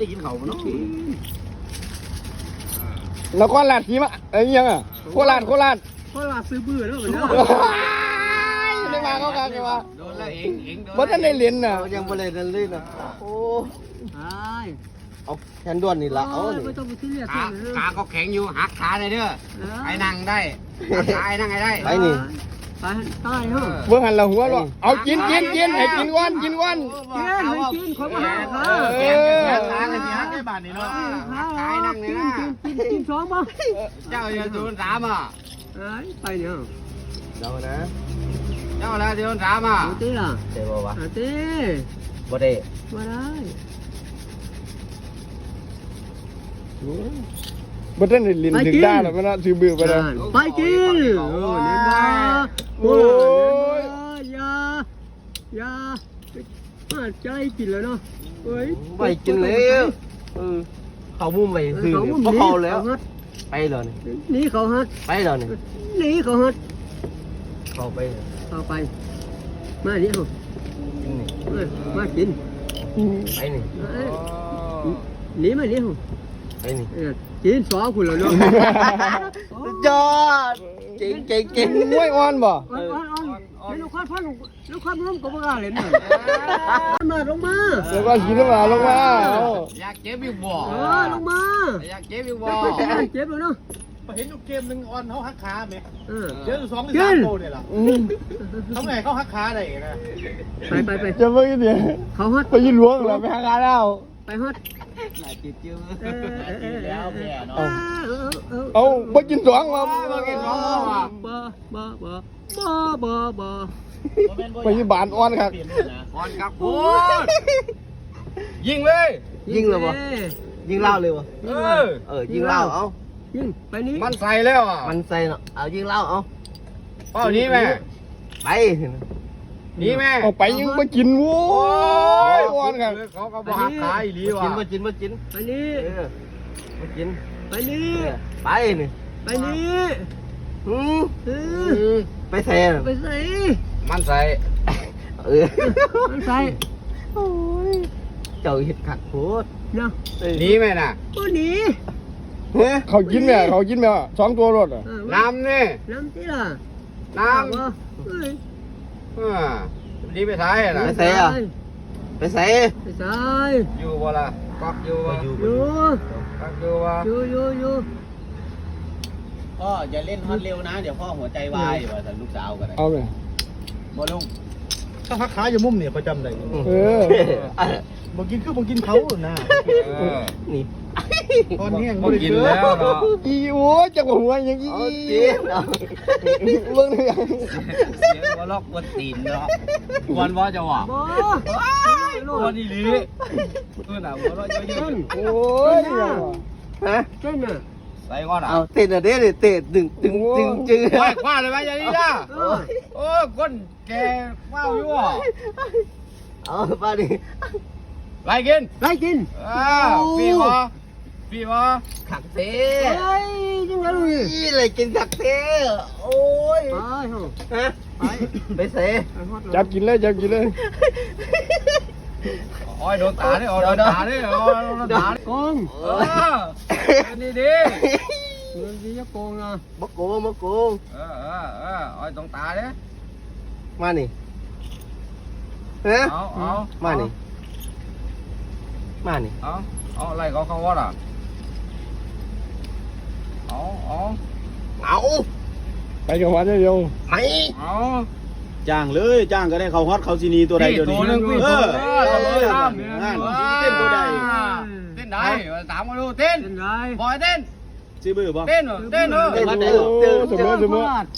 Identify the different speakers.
Speaker 1: ได้กินเขาเนาะ
Speaker 2: แล้วก็ลาดสีมาไอ้ยังอ่ะโคราช
Speaker 3: ซื้อบื้อแล้วเหมือนเดิม
Speaker 2: ได้มาเขากันเลยว่า
Speaker 1: โดนแล้วเองโดน
Speaker 2: บ่ทันได้เรียนน่ะ
Speaker 4: ยังบ่ได้นั่นเลยนะโอ้
Speaker 3: ใช่
Speaker 4: เอาแขนด้วนนี่ละเอา
Speaker 3: ไม่ต้องไปที่เรียก
Speaker 1: ขาก็แข็งอยู่หักขาเลยเด้อไอ้นั่งได้ขาไอ้นั่งไอ้ได้
Speaker 4: ไปนี่
Speaker 3: ไปใต้เหรอ
Speaker 2: เบิ่งหันละหัวหรอเอากินให้กินก่อน
Speaker 3: กินไม่กินคนมาหาเขา
Speaker 1: แกขาเลยสิฮักได้บาทนี่เนาะขาไอ้นั่งเลยนะ
Speaker 3: กินสองป่ะ
Speaker 1: เจ้าอย่าโดน3อ่ะ
Speaker 3: ไปเนี่ย
Speaker 4: เดี๋ยวนะ
Speaker 1: เจ้าแล้วโดน3อ่ะ
Speaker 3: ตีล่ะ
Speaker 4: เดี๋ยววะ
Speaker 3: ตี
Speaker 4: บ่ได้
Speaker 3: มาได้
Speaker 2: บ่ทันได้เรียนถึงได้หรอกมันซื้อบื้อไปแล้ว
Speaker 3: ไปกินเนี่ยมาโอ้ยอย่ามาใจกินแล้วเนาะเฮ้ย
Speaker 4: ไปกินแล้วเขามุมไปซื้อเพราะเขาแล้วไปเลย
Speaker 3: นี่เขาฮัด
Speaker 4: ไปเลยนี่
Speaker 3: นี่เขาฮัด
Speaker 4: เขาไป
Speaker 3: เข้าไปมาเนี่ยเหรอ
Speaker 4: กินนี่
Speaker 3: มากิน
Speaker 4: ไปนี่
Speaker 3: หนีมาเนี่ยเหรอ
Speaker 4: ไปนี่
Speaker 3: กินสองคนแล้วเนาะ
Speaker 4: ยอดเก่ง
Speaker 2: มวยอ่อนบ่
Speaker 3: ลูกค้าพ่อลูกค้าร่วมกับว่าเลยเนี่ยมาลงมา
Speaker 2: แล้วก็กินมาลงมา
Speaker 1: อยากเจ็บอีกบ่
Speaker 3: ลงมา
Speaker 1: อยากเจ็บอีกบ่
Speaker 3: เจ็บเลยเนาะ
Speaker 5: เห็นอยู่เกมหนึ่งออนเขาหักขาไหม
Speaker 3: เออ
Speaker 5: เดี๋ยว2 หรือ 3โกเนี่ยล่ะทำไงเขาหักขาได้นะ
Speaker 3: ไป
Speaker 2: จะเบิ่งดิ
Speaker 3: เขาฮัด
Speaker 2: ไปยินหลวงแล้วไปหางานแล้ว
Speaker 3: ไปฮัด
Speaker 1: หลายจิตจิ้ว
Speaker 5: แล้วแม่เนาะ
Speaker 2: เอาบ่กินสองมา
Speaker 1: บ่กินสองว่ะ
Speaker 3: บ่
Speaker 2: ไปยิบานอ่อนครับ
Speaker 1: ก่อนกับพูดยิงเลย
Speaker 4: ยิงเลยวะยิงเล่าเลยวะ ยิงเล่าเอา
Speaker 3: ยิงไปนี้
Speaker 1: มันใส่แล้วอ่ะ
Speaker 4: มันใส่เนาะเอายิงเล่าเอา
Speaker 1: เป้านี้แม่
Speaker 4: ไป
Speaker 1: นี่แม่
Speaker 2: เอาไปยังบ่กินโว้ยอ่อนครับ
Speaker 1: เขาก็บ่หักขาอีหลีว่ะ
Speaker 4: มากิน
Speaker 3: ไปนี้
Speaker 4: มากิน
Speaker 3: ไปนี้
Speaker 4: ไปนี่
Speaker 3: ไปนี้
Speaker 4: ไปแซ่
Speaker 3: ไปใส่
Speaker 1: มันใส่
Speaker 3: มันใส่
Speaker 4: เจ้าเห็ดขัดโคตร
Speaker 3: เนาะ
Speaker 1: นี่แม่น่ะ
Speaker 3: โอ้หนี
Speaker 2: เขากินแม่สองตัวรถอ่ะ
Speaker 1: น้ำนี่
Speaker 3: น้ำที่ล่ะ
Speaker 1: น้
Speaker 3: เอ้ย
Speaker 1: ำดีไปท้ายน่ะ
Speaker 4: ไปแซ่ไปแซ่
Speaker 3: ไปใส่
Speaker 1: อยู่บ่ล่ะกักอยู่บ่
Speaker 3: อยู่
Speaker 1: กักอยู่บ่
Speaker 3: อยู่
Speaker 5: พ่ออย่าเล่นฮอตเร็วนะ เดี๋ยวพ่อหัวใจวายว่าแต่ลูกสาวกัน
Speaker 2: เอาไป
Speaker 5: บ่ลุงเขาหักขาอยู่มุมเนี่ยเขาจำได้ บ่กินคือบ่กินเขานะ
Speaker 4: นี่
Speaker 5: ตอนนี้ยัง
Speaker 1: บ่กินแล้วเนาะ
Speaker 2: อีโอ้จักหัวยังอี
Speaker 4: กิน
Speaker 2: เบิ่งเลย
Speaker 1: เสียงบ่ลอกบ่ตีนเนาะกวนบ่จะว่า
Speaker 3: บ่
Speaker 1: กวนอีหลีน่ะบ่ลอกเยอะ
Speaker 2: โอ้ย
Speaker 4: ฮะ
Speaker 3: เต้นน่ะ
Speaker 1: ใส่ก่อนอ่ะ
Speaker 4: เอาเตะเด้เตะดึงจื้อ
Speaker 1: คว้าเลยไหมอย่างนี้นะโอ้ก้นแกว้าวอยู่อ่ะ
Speaker 4: เอาป้าดิ
Speaker 1: ไรกิน
Speaker 3: ไล่กิน
Speaker 1: ปีวะปีวะ
Speaker 4: ขักเต้
Speaker 3: เฮ้ยจังไงลูก
Speaker 4: นี่เลยกินขักเต้โอ้ย
Speaker 3: ไปเหรอ
Speaker 4: ฮะไปเซ่
Speaker 2: จับกินเลย
Speaker 1: โอ้ยโดนตาเนี่ยโดนตาเนี่ยโดนตา
Speaker 3: โกง
Speaker 1: นี่ดิ
Speaker 3: เงินที่จะโกงนะ
Speaker 4: มะโกง
Speaker 1: โอ้ยตรงตาเนี่ย
Speaker 4: มานี่ฮะ
Speaker 1: เอา
Speaker 4: มานี่
Speaker 1: เอาอะไรเขาเขาว่าอ่ะเอา
Speaker 2: ไปกับวันเดียว
Speaker 4: ไม่
Speaker 1: เอา
Speaker 5: จ้างเลยจ้างก็ได้เขาฮอตเขาซีนีตัวใดตัวนี้
Speaker 1: ตัวนึง
Speaker 5: เออ
Speaker 1: เต้นตัวใดเต้นได้ถามมาดูเต้น
Speaker 3: เป็นไร
Speaker 1: บอยเต้น
Speaker 5: ซื้อบื้อบ่
Speaker 1: เต้นเต้น
Speaker 4: เต้น
Speaker 2: เสมอ